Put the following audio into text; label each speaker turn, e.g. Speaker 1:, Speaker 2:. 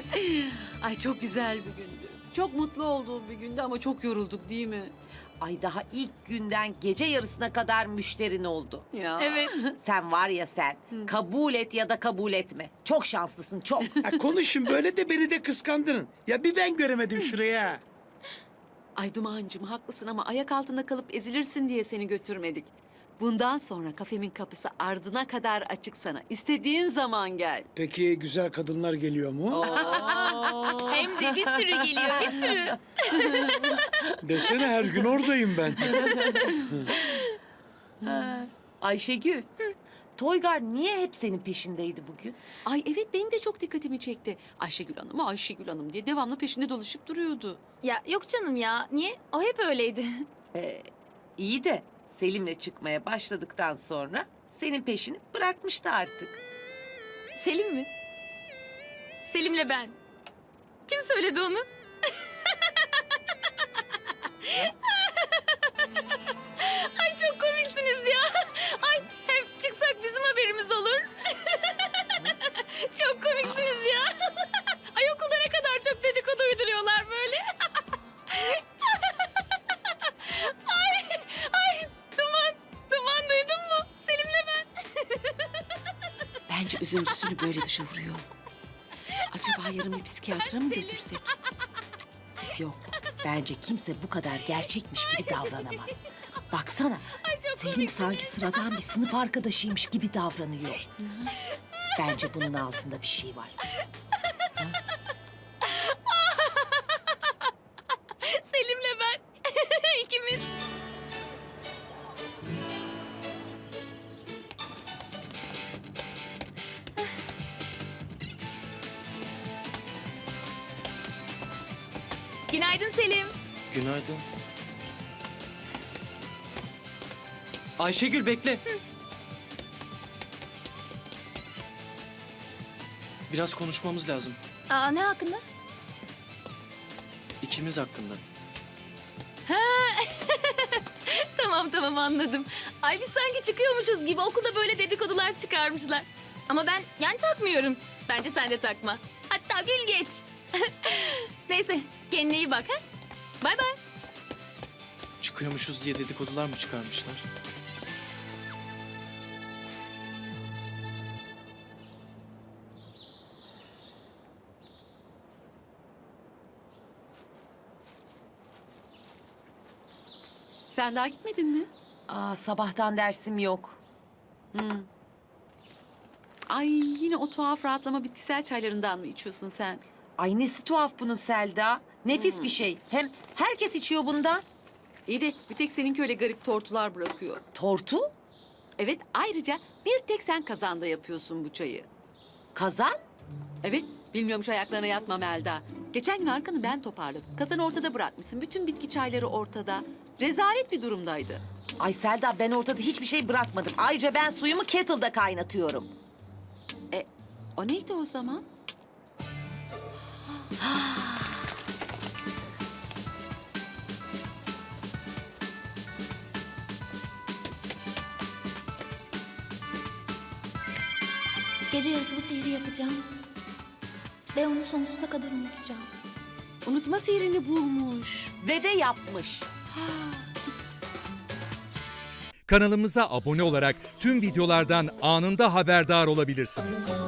Speaker 1: Ay çok güzel bir gündü. Çok mutlu olduğum bir gündü ama çok yorulduk değil mi?
Speaker 2: Ay daha ilk günden gece yarısına kadar müşterin oldu.
Speaker 1: Ya.
Speaker 3: Evet.
Speaker 2: Sen var ya sen. Kabul et ya da kabul etme. Çok şanslısın çok.
Speaker 4: Ha, konuşun böyle de beni de kıskandırın. Ya bir ben göremedim şuraya.
Speaker 1: Ay Duman'cığım haklısın ama ayak altında kalıp ezilirsin diye seni götürmedik. Bundan sonra kafemin kapısı ardına kadar açık sana. İstediğin zaman gel.
Speaker 4: Peki güzel kadınlar geliyor mu?
Speaker 3: Hem de bir sürü geliyor, bir sürü.
Speaker 4: Desene her gün oradayım ben.
Speaker 2: Ayşegül. Toygar niye hep senin peşindeydi bugün?
Speaker 1: Ay evet benim de çok dikkatimi çekti. Ayşegül Hanım, Ayşegül Hanım diye devamlı peşinde dolaşıp duruyordu.
Speaker 3: Ya yok canım ya. Niye? O hep öyleydi.
Speaker 2: İyi de Selim'le çıkmaya başladıktan sonra senin peşini bırakmıştı artık.
Speaker 3: Selim mi? Selim'le ben. Kim söyledi onu? Ay çok komiksiniz ya. Ay hep çıksak bizim haberimiz olur. Çok komiksiniz ya. Ay okulda ne kadar çok dedikodu uyduruyorlar böyle. Ay Duman duydun mu? Selim'le ben.
Speaker 1: Bence üzüntüsünü böyle dışa vuruyor. Acaba yarın bir psikiyatra mı götürsek?
Speaker 2: Yok. Bence kimse bu kadar gerçekmiş gibi davranamaz. Baksana. Selim sanki sıradan bir sınıf arkadaşıymış gibi davranıyor. Bence bunun altında bir şey var.
Speaker 3: Selim'le ben. İkimiz. Günaydın Selim.
Speaker 5: Günaydın. Ayşegül bekle. Biraz konuşmamız lazım.
Speaker 3: Aa ne hakkında?
Speaker 5: İkimiz hakkında.
Speaker 3: Tamam anladım. Ay biz sanki çıkıyormuşuz gibi okulda böyle dedikodular çıkarmışlar. Ama ben yani takmıyorum. Bence sen de takma. Hatta gül geç. Neyse kendine iyi bak ha. Bay bay.
Speaker 5: Çıkıyormuşuz diye dedikodular mı çıkarmışlar?
Speaker 1: Sen daha gitmedin mi?
Speaker 2: Sabahtan dersim yok.
Speaker 1: Ay yine o tuhaf rahatlama bitkisel çaylarından mı içiyorsun sen?
Speaker 2: Ay nesi tuhaf bunun Selda. Nefis bir şey. Hem herkes içiyor bundan.
Speaker 1: İyi de bir tek seninki öyle garip tortular bırakıyor.
Speaker 2: Tortu,
Speaker 1: Evet ayrıca bir tek sen kazanda yapıyorsun bu çayı.
Speaker 2: kazan.
Speaker 1: Evet bilmiyormuş ayaklarına yatma Melda. Geçen gün arkanı ben toparladım. Kazanı ortada bırakmışsın. Bütün bitki çayları ortada. Rezalet bir durumdaydı.
Speaker 2: Ay Selda ben ortada hiçbir şey bırakmadım. Ayrıca ben suyumu kettle'da kaynatıyorum.
Speaker 1: O neydi o zaman?
Speaker 6: Gece yarısı bu sihri yapacağım. Ve onu sonsuza kadar unutacağım.
Speaker 1: Unutma sihrini bulmuş.
Speaker 2: Ve de yapmış.
Speaker 7: Kanalımıza abone olarak tüm videolardan anında haberdar olabilirsiniz.